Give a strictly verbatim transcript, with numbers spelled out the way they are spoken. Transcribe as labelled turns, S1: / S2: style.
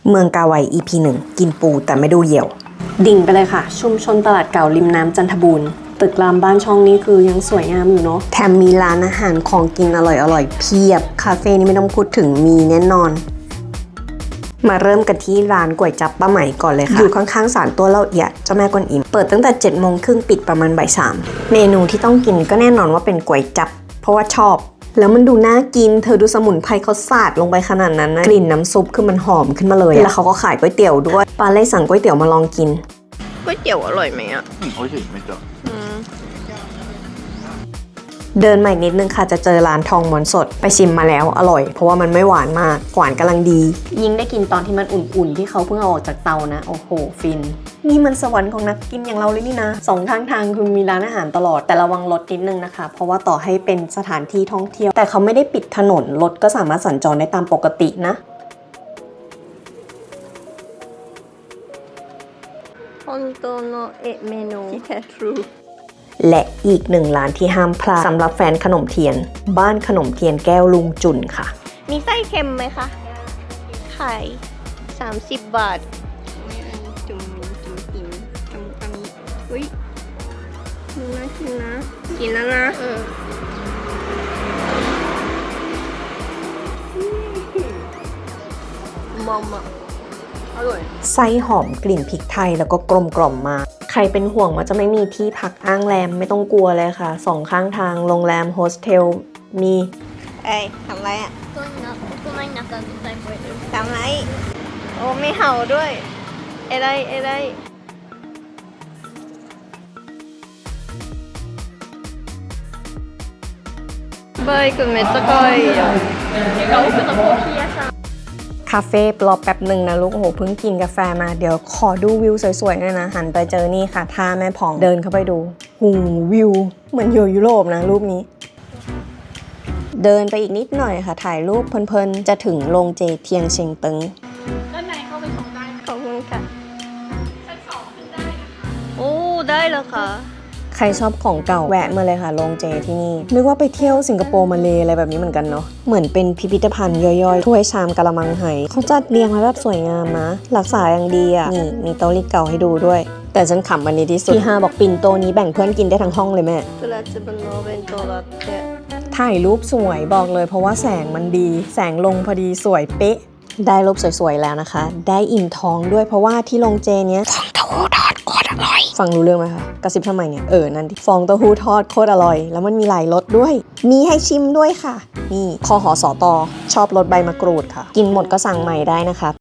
S1: เมืองกาไว อี พี หนึ่ง กินปูแต่ไม่ดูเหยี่ยวดิ่งไปเลยค่ะชุมชนตลาดเก่าริมน้ำจันทบูรณ์ตึกรามบ้านช่องนี้คือยังสวยงามอยู่เนาะแถมมีร้านอาหารของกินอร่อยๆเพียบคาเฟ่นี่ไม่ต้องพูดถึงมีแน่นอนมาเริ่มกันที่ร้านก๋วยจั๊บป้าไหมก่อนเลยค่ะอยู่ข้างๆศาลตัวเล่าเอียดเจ้าแม่กวนอิมเปิดตั้งแต่เจ็ดโมงครึ่งปิดประมาณบ่ายสามเมนูที่ต้องกินก็แน่นอนว่าเป็นก๋วยจั๊บเพราะว่าชอบแล้วมันดูน่ากินเธอดูสมุนไพรเขาสาดลงไปขนาดนั้นนะกลิ่นน้ำซุปคือมันหอมขึ้นมาเลยแล้วเขาก็ขายก๋วยเตี๋ยวด้วยปาเลยสั่งก๋วยเตี๋ยวมาลองกินก๋วยเตี๋ยวอร่อยไหมอ่ะ
S2: อืมおいしいめっちゃ
S1: เดินมาอีกนิดนึงค่ะจะเจอร้านทองม้วนสดไปชิมมาแล้วอร่อยเพราะว่ามันไม่หวานมากหวานกำลังดียิ่งได้กินตอนที่มันอุ่นๆที่เขาเพิ่งเอาออกจากเตานะโอ้โหฟินนี่มันสวรรค์ของนักกินอย่างเราเลยนี่นะสองทางทางคือมีร้านอาหารตลอดแต่ระวังรถนิดนึงนะคะเพราะว่าต่อให้เป็นสถานที่ท่องเที่ยวแต่เขาไม่ได้ปิดถนนรถก็สามารถสัญจรได้ตามปกตินะ
S3: 本当のえメニュー
S1: และอีกหนึ่งร้านที่ห้ามพลาดสำหรับแฟนขนมเทียนบ้านขนมเทียนแก้วลุงจุนค่ะ
S3: มีไส้เค็มไหมคะไข่สามสิบบาทจุ่มจุ่มกินจุ่มอันนี้อุ้ยน่ากินนะกินแล้วนะเออมอมอ่ะอร่อย
S1: ไส้หอมกลิ่นพริกไทยแล้วก็กลมกล่อมมากใครเป็นห่วงว่าจะไม่มีที่พักอ้างแรมไม่ต้องกลัวเลยค่ะสองข้างทางโรงแรมโฮสเทลมี
S3: เอ้ยทำไรอ่ะทำไรโอ้ไม่เห่าด้วยเอะไรเอะไรバイクめっちゃ可愛いよ。奥のコーヒー屋さん。
S1: คาเฟ่รอแป๊บหนึ่งนะลูกโอ้โหเพิ่งกินกาแฟมาเดี๋ยวขอดูวิวสวยๆหน่อยนะหันไปเจอนี่ค่ะท่าแม่ผ่องเดินเข้าไปดูหูวิวเหมือนอยู่ยุโรปนะรูปนี้เดินไปอีกนิดหน่อยค่ะถ่ายรูปเพลินๆจะถึงโรงเจเทียงเชิงตึง
S3: ด้านในเข้าไปชมได้ขอบคุณค่ะชั้นสองขึ้นได้นะคะโอ้ได้แล้วค่ะ
S1: ใครชอบของเก่าแวะมาเลยค่ะโรงเจที่นี่นึกว่าไปเที่ยวสิงคโปร์มาเลอะไรแบบนี้เหมือนกันเนาะเหมือนเป็นพิพิธภัณฑ์ย่อยๆถ้วยชามกะละมังไหเขาจัดเรียงไว้แบบสวยงามนะรักษาอย่างดีอ่ะนี่มีโต๊ะลิเก่าให้ดูด้วยแต่ฉันขำวันนี้ที่สุดที่ฮาบอกปิ่นโตนี้แบ่งเพื่อนกินได้ทั้งห้องเลยแม่ถ่ายรูปสวยบอกเลยเพราะว่าแสงมันดีแสงลงพอดีสวยเป๊ะได้รูปสวยๆแล้วนะคะได้อิ่มท้องด้วยเพราะว่าที่โรงเจเนี้ยฟองเต้าหู้ทอดโคตรอร่อยฟังรู้เรื่องไหมคะกระซิบทำไมเนี่ยเออนั่นดิฟองเต้าหู้ทอดโคตรอร่อยแล้วมันมีหลายรสด้วยมีให้ชิมด้วยค่ะนี่คอหอสอตอชอบรสใบมะกรูดค่ะกินหมดก็สั่งใหม่ได้นะคะ